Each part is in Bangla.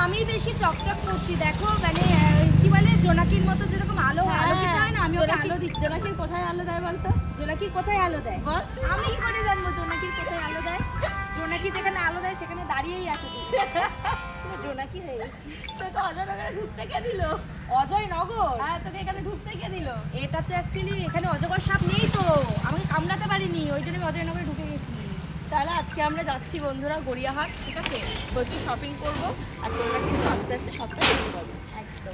আমি বেশি চকচক করছি দেখো, মানে কি বলে জোনাকির মতো যেরকম আলো আলোকিত হয় না, আমি ওকে আলো দিচ্ছি। জোনাকির কোথায় আলো দেয় বলতো? জোনাকির কোথায় আলো দেয় বল। আমি কি করে জানবো জোনাকির কোথায় আলো দেয়? জোনাকি যেখানে আলো দেয় সেখানে দাঁড়িয়েই আছে পুরো জোনাকি হয়ে গেছি। তোকে অজয়নগরে ঢুকতে কে দিল? অজয় নগর? হ্যাঁ, তোকে এখানে ঢুকতে কে দিল? এটা তো অ্যাকচুয়ালি এখানে অজগর সাপ নেই তো, আমাকে কামড়াতে পারিনি, ওই জন্য আমি অজয় নগরে ঢুকে গেছি। তাহলে আজকে আমরা যাচ্ছি বন্ধুরা গড়িয়াহাট, ঠিক আছে? প্রচুর শপিং করবো আর তোমরা কিন্তু আস্তে আস্তে সবটা দেখতে পাবো। একদম।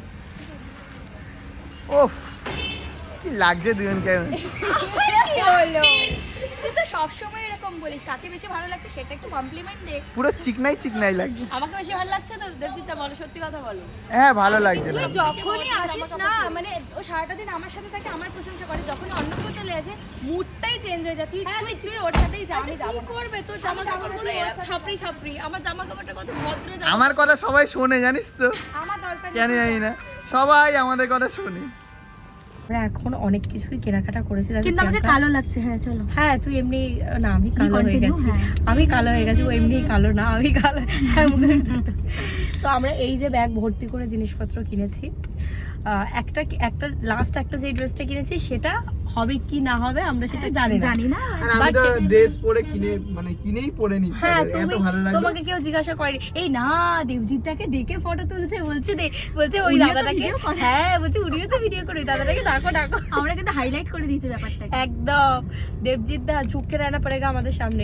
ওফ কি লাগছে দুজনকে। কি হলো? তুই তো সবসময় এরকম বলিস, কাকে বেশি ভালো লাগছে সেটা একটু কমপ্লিমেন্ট দে। পুরো চিকনাই চিকনাই লাগছে। আমাকে বেশি ভালো লাগছে তো দেবজিৎ, বলো সত্যি কথা বলো। হ্যাঁ ভালো লাগছে তুই না। যখনই আসিস না, মানে ও সারাটা দিন আমার সাথে থাকে, আমার প্রশংসা করে, যখনই অন্য কেউ চলে আসে মুডটাই চেঞ্জ হয়ে যায়। তুই তুই তুই ওর সাথেই যা, আমি যাবো কি করবে তোর জামা কাপড়গুলো এরকম ছাপড়ি ছাপড়ি, আমার জামা কাপড়টা কত ভদ্র জামা। আমার কথা সবাই শোনে জানিস তো, আমার দরকার কেন জানি না সবাই আমাদের কথা শোনে। আমরা এখন অনেক কিছুই কেনাকাটা করেছি, কিন্তু আমাকে কালো লাগছে। হ্যাঁ চলো। হ্যাঁ তুই এমনি না, আমি কালো হয়ে continue, গেছি। হ্যাঁ। আমি কালো হয়ে গেছি, ও এমনি কালো না, আমি কালো। তো আমরা এই যে ব্যাগ ভর্তি করে জিনিসপত্র কিনেছি। একটা একটা লাস্ট একটা যে ড্রেসটা কিনেছি সেটা হবে কি না হবে আমরা সেটা জানি না। আর আমি তো ড্রেস পরে কিনেই পরে নি, হ্যাঁ এত ভালো লাগলো। তোমাকে কেউ জিজ্ঞাসা করেনি? এই না, দেবজিৎদাকে ডেকে ফটো তুলছে, বলছে বলছে ওই উনিও তো দাদাটাকে, video করে। হ্যাঁ বলছে উনিও তো ভিডিও করে, ওই দাদাটাকে ডাকো। আমরা কিন্তু হাইলাইট করে দিয়েছি ব্যাপারটা। একদম দেবজিৎ দা ঝুঁকে রানা পড়েগা আমাদের সামনে।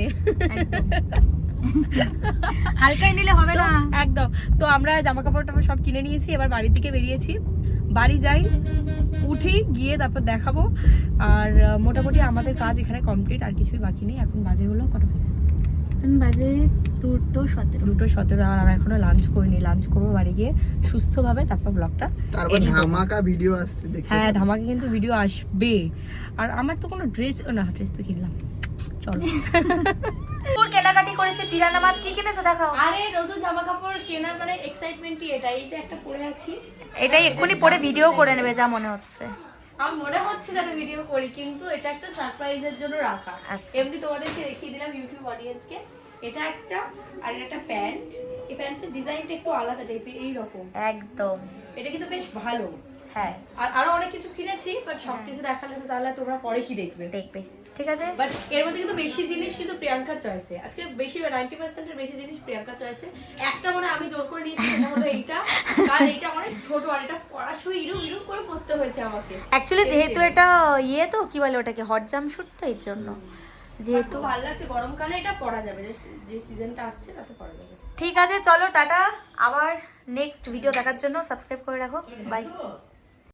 হালকাই নিলে হবে না একদম। তো আমরা জামা কাপড় টাপড় সব কিনে নিয়েছি, এবার বাড়ির দিকে বেরিয়েছি। বাড়ি যাই, উঠি, গিয়ে তারপর দেখাবো। আর মোটামুটি আমাদের কাজ এখানে কমপ্লিট, আর কিছুই বাকি নেই। এখন বাজে হলো কটা বাজে? বাজে 2:17। আর আমরা এখনো লাঞ্চ করিনি, লাঞ্চ করবো বাড়ি গিয়ে সুস্থভাবে, তারপর ব্লগটা। তারপর ধামাকা ভিডিও আসছে দেখতে। হ্যাঁ ধামাকে কিন্তু ভিডিও আসবে। আর আমার তো কোনো ড্রেস না, ড্রেস তো কিনলাম, চলো। তোর কেনাকাটি করেছে, পিরানা মাছ কি কিনেছে দেখাও। আরে নতুন জামা কাপড় কেনার মানে এক্সাইটমেন্টই এটা। এই যে একটা পরে আছি, এটাই এক্ষুনি পরে ভিডিও করে নেবে যা মনে হচ্ছে। আমার মনে হচ্ছে যেন ভিডিও করি, কিন্তু এটা একটা সারপ্রাইজের জন্য রাখা। আচ্ছা। এমনি তোমাদেরকে দেখিয়ে দিলাম ইউটিউব অডিয়েন্সকে। এটা একটা, আর এটা একটা প্যান্ট। এই প্যান্টের ডিজাইনটা একটু আলাদা টাইপের, এইরকম একদম। এটা কিন্তু বেশ ভালো। হ্যাঁ আর আরো অনেক কিছু কিনেছি, বাট সবকিছু দেখালে তো তাহলে তোমরা পরে কি দেখবে। দেখবে, ঠিক আছে। বাট এর মধ্যে কিন্তু বেশি জিনিস কিন্তু প্রিয়াঙ্কার চয়েসে। আজকে বেশি 90% এর বেশি জিনিস প্রিয়াঙ্কার চয়েসে। একটা মনে আমি জোর করে নিয়েছি, সেটা হলো এইটা, কারণ এইটা অনেক ছোট, আর এটা পরার সময় ইরুম করে পড়তে হয়েছে আমাকে। অ্যাকচুয়ালি যেহেতু এটা ইয়ে তো কি বলে ওটাকে, হট জাম্পস্যুট, তো এর জন্য যেহেতু ভালো লাগছে, গরমকালে এটা পরা যাবে, যে সিজনটা আসছে তাতে পরা যাবে। ঠিক আছে চলো টাটা, আবার নেক্সট ভিডিও দেখার জন্য সাবস্ক্রাইব করে রাখো, বাই।